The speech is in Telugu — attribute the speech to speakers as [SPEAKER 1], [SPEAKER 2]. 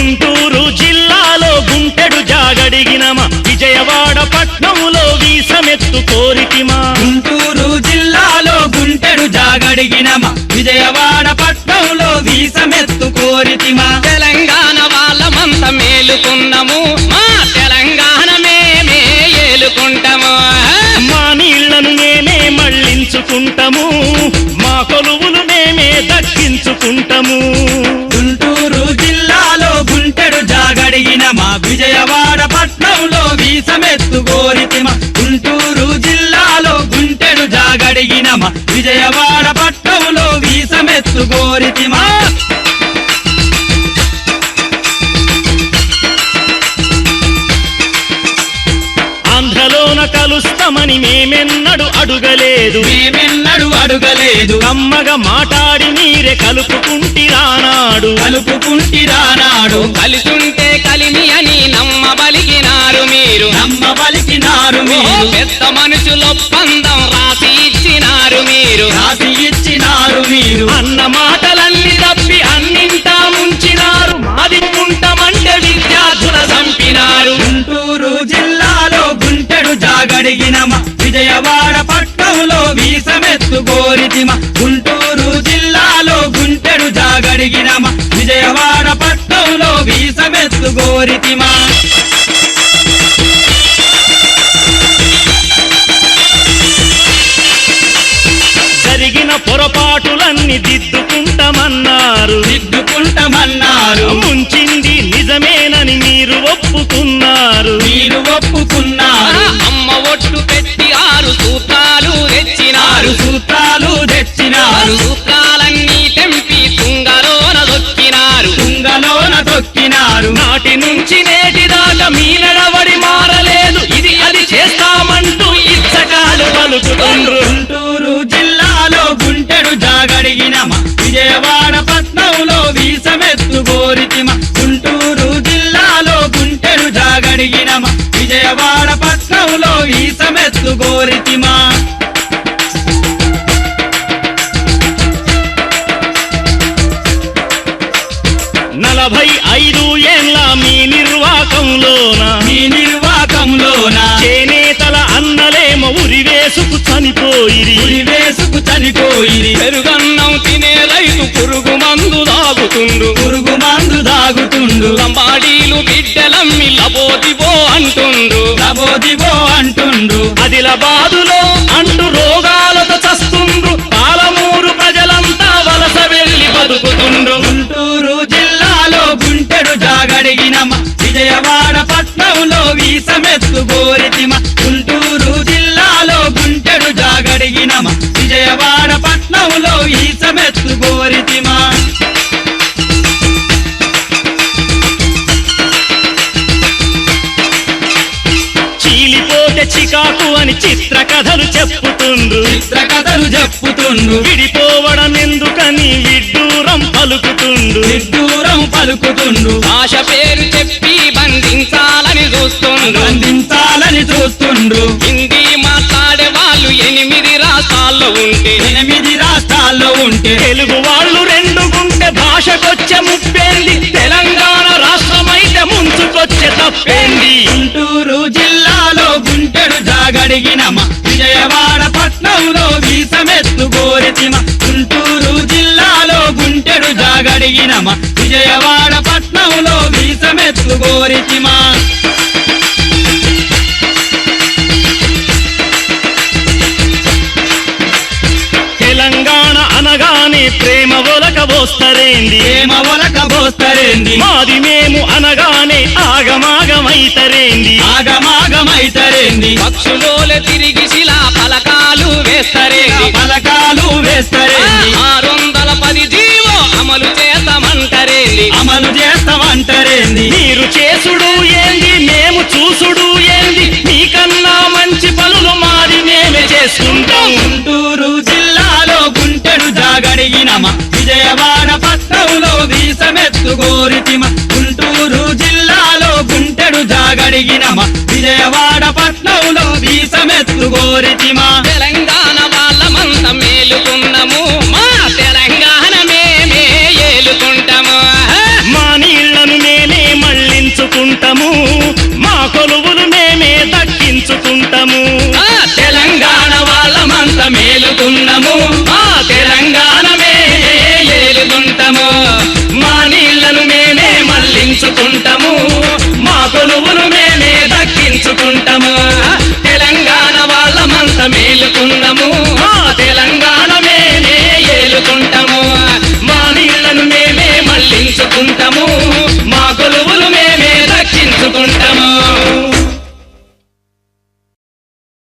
[SPEAKER 1] గుంటూరు జిల్లాలో గుంటెడు జాగడిగినమా విజయవాడ పట్నంలో వీసమెత్తు కోరితిమా
[SPEAKER 2] గుంటూరు జిల్లాలో గుంటెడు జాగడిగినమా విజయవాడ పట్నంలో వీసమెత్తు కోరితిమా
[SPEAKER 3] తెలంగాణ వాళ్ళమంత మేలుకున్నాము మా తెలంగాణ మేమే ఏలుకుంటాము
[SPEAKER 1] మా నీళ్లను మేమే మళ్ళించుకుంటాము మా కొలువులు మేమే దక్కించుకుంటాము
[SPEAKER 2] గుంటూరు జిల్లాలో గుంటెడు జాగడిగినమా విజయవాడ పట్నంలో వీసమెత్తు కోరితిమా గుంటూరు జిల్లాలో గుంటెడు జాగడిగినమా విజయవాడ పట్నంలో వీసమెత్తు కోరితిమా
[SPEAKER 1] ఆంధ్రలోన కలుస్తామని మేమెన్నడు అడుగలేదు కమ్మగా మాటాడి మీరే కలుపుకుంటిరానాడు
[SPEAKER 3] కలిసుంటే కలిమి అని నమ్మబలిగినారు మీరు పెద్ద మనుషులొప్పందం రాసి ఇచ్చినారు మీరు
[SPEAKER 1] అన్న మాటలన్నీ తప్పి అన్నింటా ముంచినారు మాది కుంటమంటే విద్యార్థుల చంపినారు
[SPEAKER 2] గుంటూరు జిల్లాలో గుంటెడు జాగడిగినమా విజయవాడ పట్నంలో వీసమెత్తు కోరితిమా గుంటూరు జిల్లాలో గుంటెడు జాగడిగినమా విజయవాడ పట్నంలో వీసమెత్తు కోరితిమా
[SPEAKER 1] జరిగిన పొరపాటులన్నీ దిద్దుకుంటామన్నారు ముంచింది నిజమేనని మీరు ఒప్పుకున్నారు
[SPEAKER 3] అమ్మ ఒట్టు పెట్టి 6 సూత్రాలు తెచ్చినారు సూత్రాలన్నీ తెంపి తుంగలోన దొక్కినారు
[SPEAKER 1] నాటి నుంచి నేటి దాకా మీ నడవడి మారలేదు ఇది అది చేస్తామంటూ ఇచ్చకాలు పలుకుతుండ్రు
[SPEAKER 2] గుంటూరు జిల్లాలో గుంటెడు జాగడిగినమా విజయవాడ పట్నంలో వీసమెత్తు కోరితిమా గుంటూరు జిల్లాలో గుంటెడు జాగడిగినమా విజయవాడ పట్నంలో వీసమెత్తు కోరితిమా
[SPEAKER 1] 45 ఏండ్ల మీ నిర్వాకంలోన చేనేతల అన్నలేమో ఉరివేసుకు చనిపోయిరి
[SPEAKER 3] పెరుగన్నం తినే రైతు పురుగు మందు దాగుతుండు లంబాడీలు బిడ్డలమ్మి లబోదిబో అంటుండ్రు
[SPEAKER 1] ఆదిలాబాదులో అంటూ రోగాలతో చస్తుండ్రు పాలమూరు ప్రజలంతా వలస వెళ్ళి బతుకుతుండ్రు
[SPEAKER 2] గుంటూరు జిల్లాలో గుంటెడు జాగడిగినమా విజయవాడ పట్నంలో వీసమెత్తు కోరితిమా గుంటూరు జిల్లాలో గుంటెడు జాగడిగినమా విజయవాడ పట్నంలో వీసమెత్తు కోరితిమా
[SPEAKER 1] చీలిపోతే చికాకు అని చిత్ర కథలు చెప్పుతుండ్రు విడిపోవడం ఎందుకని విడ్డూరం పలుకుతుండు
[SPEAKER 3] భాష పేరు చెప్పి బంధించాలని చూస్తుండ్రు హిందీ మాట్లాడే వాళ్ళు 8 రాష్ట్రాల్లో ఉంటే
[SPEAKER 1] తెలుగు వాళ్ళు 2 గుంటే భాషకొచ్చే ముప్పేంది తెలంగాణ రాష్ట్రమైతే ముంచుకొచ్చే తప్పేంది
[SPEAKER 2] గుంటూరు జిల్లాలో గుంటెడు జాగడిగినమా విజయవాడ పట్నంలో వీసమెత్తు కోరితిమా గుంటూరు జిల్లాలో గుంటెడు జాగడిగినమా విజయవాడ పట్నంలో వీసమెత్తు కోరితిమా
[SPEAKER 1] తెలంగాణ అనగానే ప్రేమ ఒలకబోస్తరేంది మాది మేము అనగానే ఆగమాగమైతరేంది
[SPEAKER 3] పక్షులోలే తిరిగి శిలా పలకాలు వేస్తరేంది 610 జీవో అమలు చేస్తామంటారేంది
[SPEAKER 1] మీరు చేసుడు ఏంది మేము చూసుడు ఏంది మీకన్నా మంచి పనులు మాది మేమే చేసుకుంటాం
[SPEAKER 2] గుంటూరు జిల్లాలో గుంటెడు జాగడిగినమా విజయవాడ పట్నంలో వీసమెత్తు కోరితిమా గుంటూరు జిల్లాలో గుంటెడు జాగడిగినమా విజయవాడ పట్నంలో వీసమెత్తు కోరితిమా
[SPEAKER 3] తెలంగాణ వాళ్ళమంత మేలుకున్నాము మా తెలంగాణ మేమే ఏలుకుంటాము
[SPEAKER 1] మా నీళ్లను మేమే దక్కించుకుంటాము మా కొలువులు మేమే దక్కించుకుంటాము
[SPEAKER 2] తెలంగాణ వాళ్ళమంత మేలుకున్నాము